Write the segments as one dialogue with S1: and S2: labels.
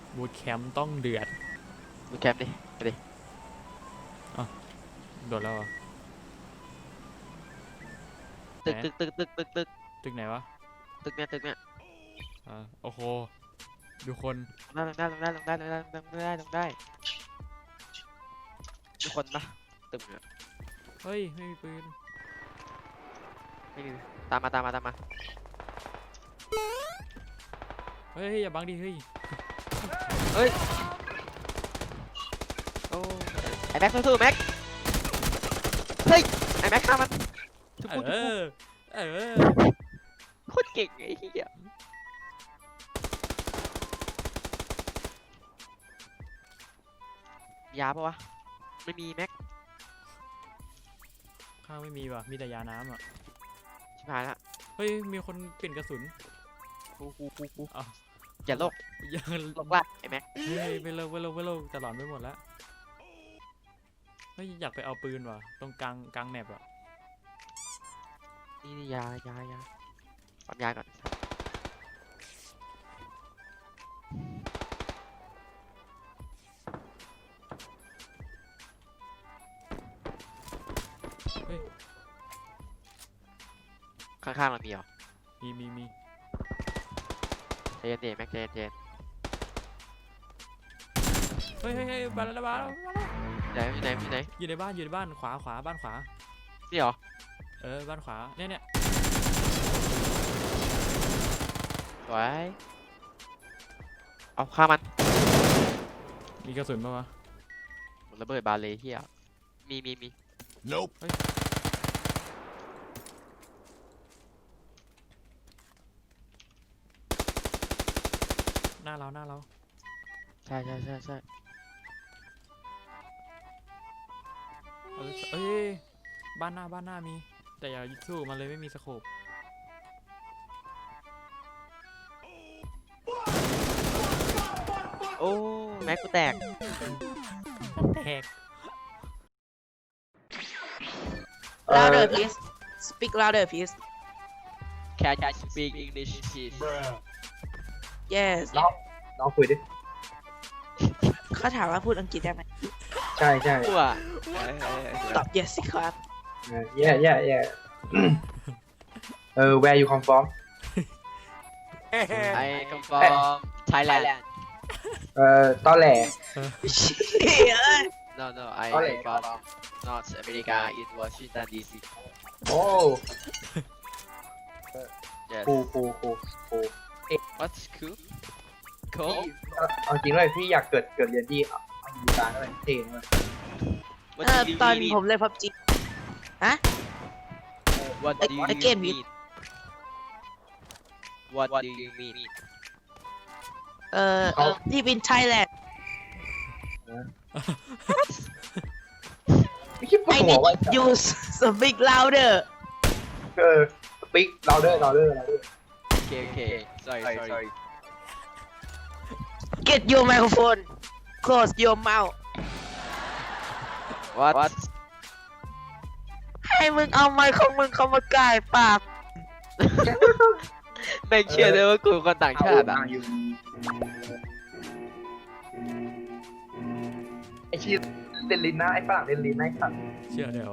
S1: บูทแคมป์ต้องเดือด
S2: ดูแคปดิไปดิ
S1: โดดแล้วเหรอ
S2: ตึกตึกตึกตึกตึกตึก
S1: ตึกไหนวะ
S2: ตึกเนี้ยตึกเนี้ย
S1: โอ้โหดูคน
S2: ลงได้ลงได้ลงได้ลงได้ลงได้ลงได้มีคนปะตึกเนี้ย
S1: เฮ้ยไม่มีปืน
S2: ไม่มีตามมาตามมาตามมา
S1: เฮ้ยอย่าบังดิเฮ้ย
S2: เฮ้ยโอ้ไอแม็กสู้ๆแม็กเฮ้ยไอแม็กฆ่ามันทุบ
S1: เอ
S2: ปุ๊บทุบปุ๊บ
S1: อเออ
S2: โคตรเก่งไอ้เหี้ยยาปะวะไม่มีแม็ก
S1: ข้างไม่มีว่ะมีแต่ยาน้ำอ่ะ
S2: ชิบหายละ
S1: เฮ้ยมีคนเปลี่ยนกระสุน
S2: กู
S1: อ้าว
S2: อย่าโลก
S1: ยัง
S2: โลกว่าไอแม็ก
S1: เฮ้ยไปเร็วไปเร็วไปเร็วจะหลอนไปหมดแล้วเฮ้ยอยากไปเอาปืนว่ะตรงกลางแมปอ่ะ
S2: นี่ยาปั๊มยาก่อน
S1: เฮ้ย
S2: ข้างๆเรามีเหรอ
S1: มี
S2: ใจเย็นดิแม็กใจเย็น
S1: เฮ้ยบาแล้ว
S2: ไหนอยู่ไหนอยู่ไหน
S1: อยู่ในบ้านขวาบ้านขวา
S2: นี่เหรอ
S1: บ้านขวาเนี่ย
S2: สวยเอาฆ่ามัน
S1: มีกระสุนปะวะ
S2: ระเบิดบาเลเฮียมี
S3: Nope.
S1: หน้าเรา
S2: ใช่
S1: เอ้ยบ้านหน้ามีแต่อย่าสู้มันเลยไม่มีสโคป
S2: โอ้แม็กกูแตก
S1: แตก
S4: Louder, please. Speak louder, please.
S2: Can you speak English please
S4: Yes.
S5: น้องคุยดิ
S4: เขาถามว่าพูดอังกฤษได้ไหม
S5: ใช่ใช่
S2: กูอ่ะ
S4: ตอบ yes สิครับ
S5: yeah where you come from
S2: I come from Thailand
S5: ตอแหล
S2: no I
S5: Okay.
S2: from North America in Washington DC
S5: โอ้
S2: yes
S5: ปู
S2: what's cool
S5: เอาจริงเลยพี่อยากเกิดเรียนที่อเมริกาด้วยเท่มาก
S2: what
S4: ต
S2: do
S4: อน
S2: you mean
S4: ผมเล่น PUBG
S2: what do you
S4: Again,
S2: mean what do you mean
S4: ที่เป็น Thailand
S5: ไม่คิดปวด
S4: I
S5: หัว
S4: need
S5: ว่า
S4: you speak louder
S5: speak louder
S2: okay sorry
S4: get your microphone close your mouth
S2: what
S4: ให้มึงเอาไมค์ของมึงเข้ามาใกล้ปาก
S2: ไม่เชื่อเลยว่ากูคนต่างชาติอ่ะ
S5: ไอชีเดนลินนะไอฝรั่งเดนลินนะไอสัตว์
S1: เชื่อได้เหรอ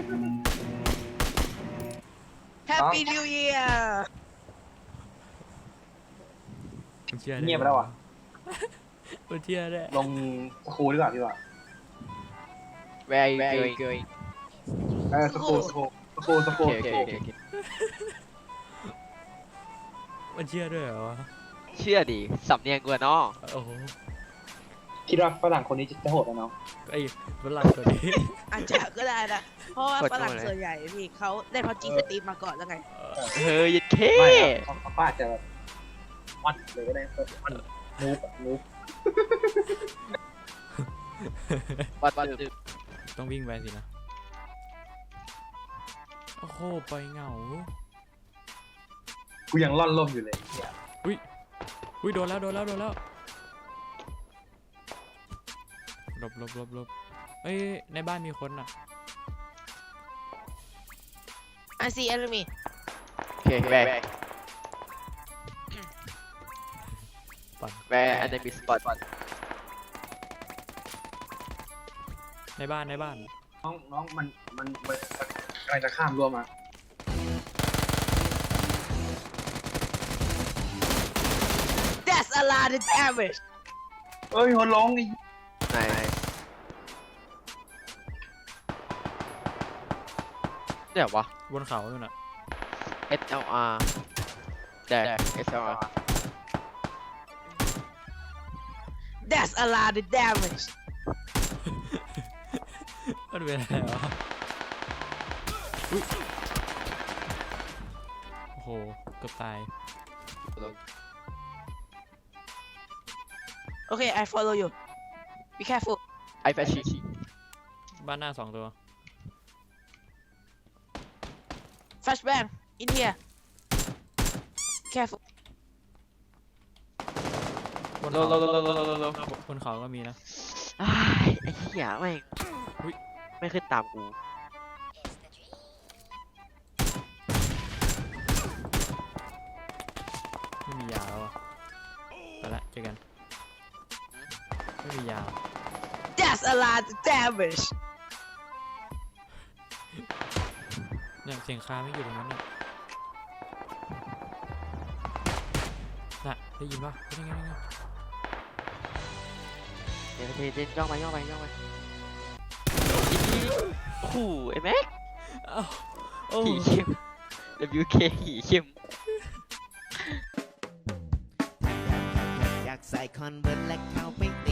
S4: Happy New Year
S1: มันเชื่อได้
S5: เงียบไปแล้วอ่ะ
S1: มันเชื่อได้
S5: ลงสกูดีกว่าพี่ว่า
S2: where are you going
S5: สกู
S2: okay
S1: มันเชื่อด้วยเหรอวะ
S2: เชื่อดิสำเนียงกูอะเนาะ
S1: โอ้โห
S5: คิดว่าฝรั่งคนนี้จะโหดไหมน้อง
S1: ไอ้ฝรั่งตัวนี้
S4: อาจจะก็ได้นะ เพราะว่าฝรั่งส่วนใหญ่พี่เขาได้ PUBG สตรีมมาก่อนแล้วไง
S2: เฮ้ยยัดเค
S5: ไม่เขาป้าจะวัดเลยก็ได้วันนูบ
S2: วัด
S1: ต้องวิ่งไปสินะโอ้โหไปเหงา
S5: กูยังร่อนล่มอยู่เลย
S1: อุ้ยโดนแล้วหลบเอ้ยในบ้านมีคนอ่ะ
S4: I see enemy
S2: โอเคแบก
S1: ปั่น
S2: where enemy spot
S1: ในบ้านในบ้าน
S5: น้องมันกำลังจะข้ามรั้วมา
S4: That's a lot of damage
S5: เอ้ยหัวร้องไอ้
S2: ไหนเดี๋ยววะ
S1: บนเขาอยู่น่ะ
S2: SLR แดก SLR
S4: That's a lot of damage
S1: มันเป็นอะไรวะอุ๊ยโอ้โหเกือบตาย
S4: Okay I follow you Be careful
S2: ไอแฟชิ
S1: บ้านหน้า2 ตัว
S4: Flashbang in here Careful
S1: บน
S2: โล
S1: เขา
S2: โลโลโลโลโลโล
S1: บนเขาก็มีนะ
S2: อ้ายไอ้เหี้ยแม่ง
S1: อุ๊ย
S2: ไม่ขึ้นตามกู
S1: ไม่มียาแล้วอ่ะไปละเจอกันไม่มียา
S4: That's a lot of damage
S1: เนี่ยเสียงคาไม่อยู่ตรงนั้นเนี่ยน่ะได้ยินปะเป็นยังไง
S2: เดี๋ยวย่องไปโอ้โหไอ้แม็ก
S1: อ้าวโอ้
S2: ขี่เข้ม WK ขี่เข้ม
S3: อยากใส่คอนเวิร์ตและเข้าไปติ